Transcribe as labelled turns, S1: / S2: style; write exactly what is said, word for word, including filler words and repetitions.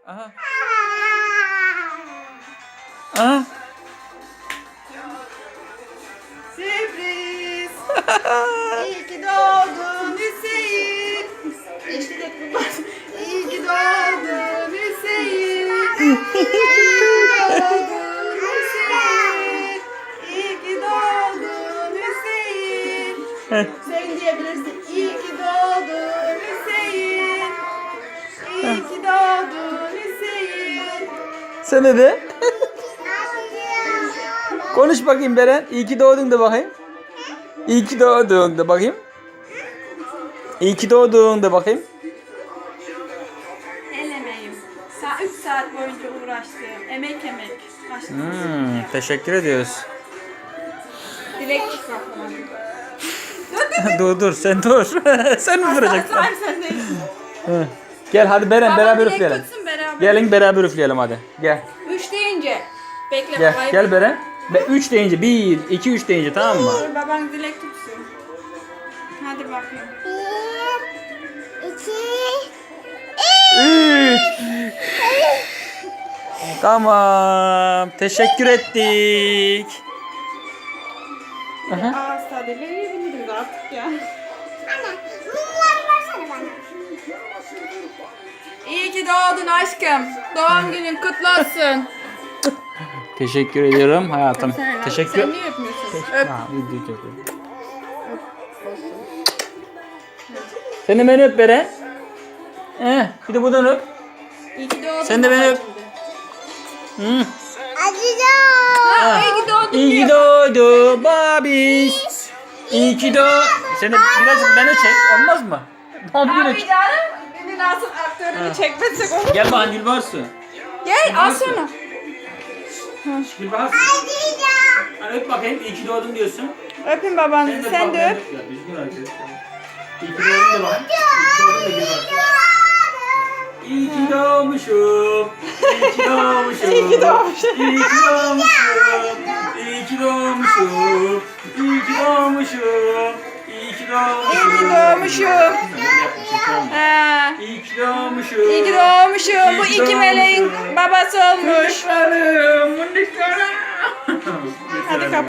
S1: Aha. Aha.
S2: Sürpriz. İyi ki doğdun Hüseyin. Eşlik et bunlar. İyi ki doğdun Hüseyin. İyi ki doğdun Hüseyin. İyi ki doğdun Hüseyin. Sen diyebilirsin. İyi ki doğdun Hüseyin. İyi ki doğdun Hüseyin.
S1: Sen ne de? Konuş bakayım Beren. İyi ki doğdun de bakayım. İyi ki doğdun de bakayım. İyi ki doğdun de bakayım.
S2: El emeğim. Sa üç saat boyunca uğraştım. Emek emek. Başka
S1: Hmm, teşekkür ediyoruz.
S2: Dilek çıkartmadım.
S1: dur dur sen dur. sen mi duracaksın?
S2: Hayır sen değil.
S1: Hı. Gel hadi Beren
S2: Baba
S1: beraber
S2: dilek
S1: üfleyelim.
S2: tutsun beraber.
S1: Gelin beraber üfleyelim hadi. Gel.
S2: Üç deyince. Bekle
S1: Gel.
S2: babayı.
S1: Gel Beren. Ve üç deyince bir, iki, üç deyince tamam mı?
S2: Dur baban dilek tutsun. Hadi bakayım.
S1: Üç. Tamam. Teşekkür ettik. Aha.
S2: Ağız tadıyla yiyebiliriz artık ya. İyi ki doğdun aşkım. Doğum günün kutlu olsun.
S1: Teşekkür ediyorum hayatım.
S2: Sen,
S1: Teşekkür.
S2: Sen niye öpmüyorsun? Öp.
S1: Ha, video çekiyorum. Sen de beni öp Beren. Eh, bir de buradan öp.
S2: İyi ki doğdun.
S1: Sen de beni öp.
S2: babacığım de.
S1: Hı.
S2: Ha, iyi ki doğdun
S1: İyi ki
S2: diyor.
S1: doğdu babiş. İyi ki doğ. Sen de birazcık beni çek olmaz mı? Doğum günü
S2: Abi
S1: çek.
S2: canım. Beni nasıl aktörünü çekmezsek olur.
S1: Gel bana Gülbarsu.
S2: Gel al şunu.
S1: Gülbarsu. Hani öp bakayım iyi ki doğdun diyorsun.
S2: Öpün babanızı sen de öp.
S1: Ya, düzgün hareket et. İyi ki doğdun da bakayım. İyi ki doğdun da Gülbarsu. İyi ki doğmuşum. İyi ki doğmuşum.
S2: İyi ki doğmuşum.
S1: İyi ki doğmuşum. İyi ki doğmuşum. İyi ki doğmuşum. İyi ki doğmuşum.
S2: İyi ki doğmuşum. Ha.
S1: İyi ki doğmuşum.
S2: İyi ki doğmuşum. Bu
S1: İyi ki
S2: iki meleğin
S1: doğmuşum.
S2: babası olmuş.
S1: Mındıklarım, mındıklarım.
S2: Hadi kapat.